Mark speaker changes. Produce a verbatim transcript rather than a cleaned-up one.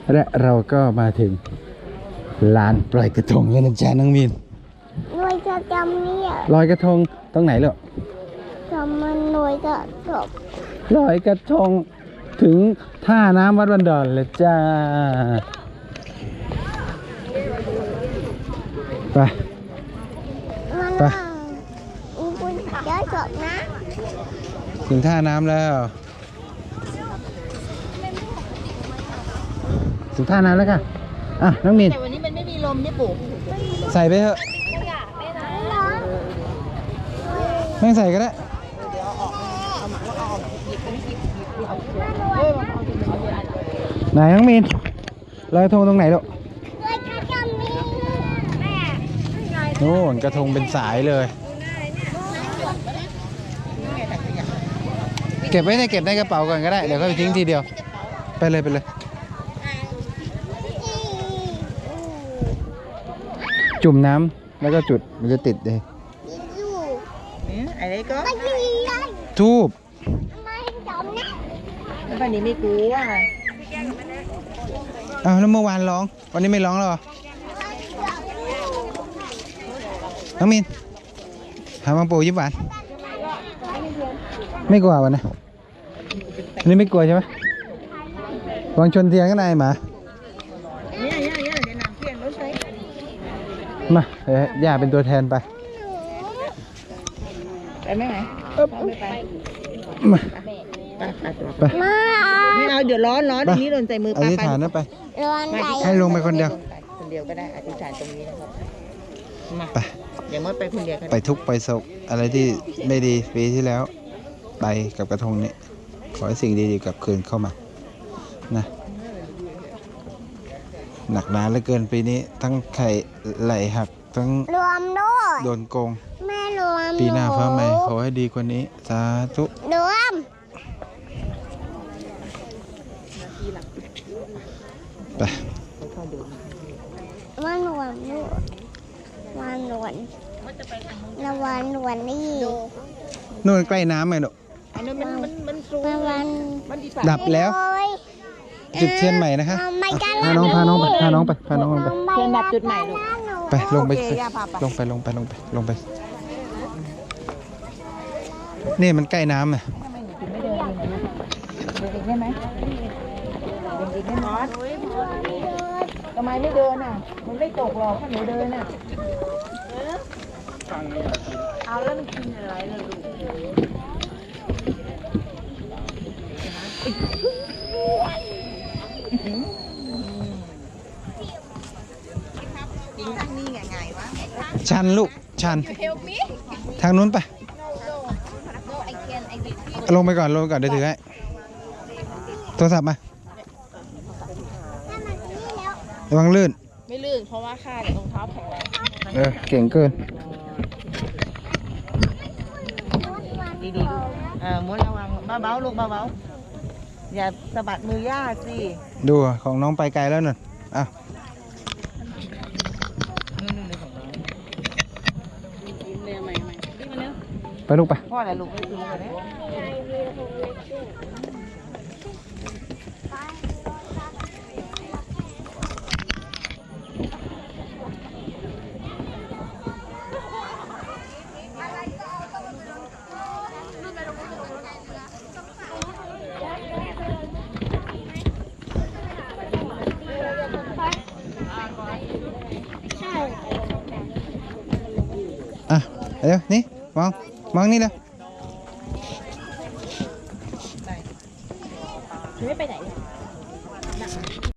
Speaker 1: และเราก็มาถึงลานปล่อยกระทงแล้วนะจ๊ะน้องมีน
Speaker 2: ลอยกระทงเนี่ย
Speaker 1: ลอยกระทงตรงไหนลูก
Speaker 2: ทำมันลอยกระทง
Speaker 1: ลอยกระทงถึงท่าน้ำวัดบันดอนเลยจ้าไปไป
Speaker 2: อุบุญเยอะจบนะ
Speaker 1: ถึงท่าน้ำแล้วถึงท่าน้ำแล้วค่ะอ่ะน้องมีน
Speaker 3: แต่วันนี้มันไม่มีลมเนี่ยปู่
Speaker 1: ใส่ไปเถอะไม่ใส่ก็ได้ไหนน้องมีนลอยกระทงตรงไหนลูกโน่นกระทงเป็นสายเลยเก็บไว้ในเก็บในกระเป๋าก่อนก็ได้เดี๋ยวก็ไปทิ้งทีเดียวไปเลยไปเลยจุ่มน้ำแล้วก็จุดมันจะติดเลย
Speaker 3: อะไรก็
Speaker 1: ทูบ
Speaker 3: วันนี้ไม่กลัว
Speaker 1: อ้าวแล้วเมื่อวานร้องวันนี้ไม่ร้องแล้วเหรอน้องมินหาบางปูยิ้มหวานไม่กลัววันนะอันนี้ไม่กลัวใช่ไหมวางชนเทียนก็ได้หมา
Speaker 3: เนี่ยเนี่ยเนี่ยเดี๋ยวนำเพียงรถใช้
Speaker 1: มาเอ้ยย่าเป็นตัวแทนไป
Speaker 3: ไปไหมไหมไปไป
Speaker 1: มา
Speaker 3: ไปไม่เอาเดี๋ยวร้อนร้อนอันนี้โดนใจมือ
Speaker 1: อธิษฐานนะไปให้ลงไปคนเดียว
Speaker 3: คนเดียวก็ได้อธิษฐานตรงนี้นะครับมา
Speaker 1: ไป
Speaker 3: อย่ามดไปคนเดียว
Speaker 1: ไปทุกไปโศกอะไรที่ไม่ดีปีที่แล้วไปกับกระทงนี้ขอให้สิ่งดีๆกลับคืนเข้ามานะหนักหนาเหลือเกินปีนี้ทั้งไข่ไหลหักทั้ง
Speaker 2: รวมด้วย
Speaker 1: โดนโกง
Speaker 2: แม่รวม
Speaker 1: ปีหน้าฟ้าใหม่ขอให้ดีกว่านี้สาธุ
Speaker 2: รวม
Speaker 1: ไป
Speaker 2: วันรวมด้วยวันรวมละวันรวมนี่
Speaker 1: นู่นใกล้น้ำไหมลูก
Speaker 3: อันนั้นมันมันมันสูง
Speaker 2: วัน
Speaker 1: ดับแล้วจุดเทียนใหม่นะคะพาน้องพาน้องไปพาน้องไปพาน้องไป
Speaker 3: เทียนดับจุดใหม่ลูก
Speaker 1: ไปลงไปลงไปลงไปลงไปลงไปนี่มันใกล้น้ำอ่ะ
Speaker 3: เด็กได้ไหมเด็กได้ไหมทำไมไม่เดินอ่ะมันไม่ตกหรอกถ้าหนูเดินอ่ะเอาแล้วมันกินอะไรเลยลูกกินทางนี้ไงไงวะ
Speaker 1: ชันลูกชันทางนู้นไปลงไปก่อนลงไปก่อนเดี๋ยวถือให้โทรศัพท์มาระวังลื่น
Speaker 3: ไม่ลื่นเพราะว่าข้าเดี๋ยวรองเท้าแข็งแรง
Speaker 1: เออเก่งเกิน
Speaker 3: ดีๆเออม้วนระวังเบาๆลูกเบาๆอย่าสะบัดมือย่าสิ
Speaker 1: ดูของน้องไปไกลแล้วน่ะอ่ะไปลูกไป
Speaker 3: พ่ออะไรลูกไม่ซื้อเลย
Speaker 1: อ่ะเดี๋ยวนี่มองมองนี่เลย
Speaker 3: ไม่ไปไหน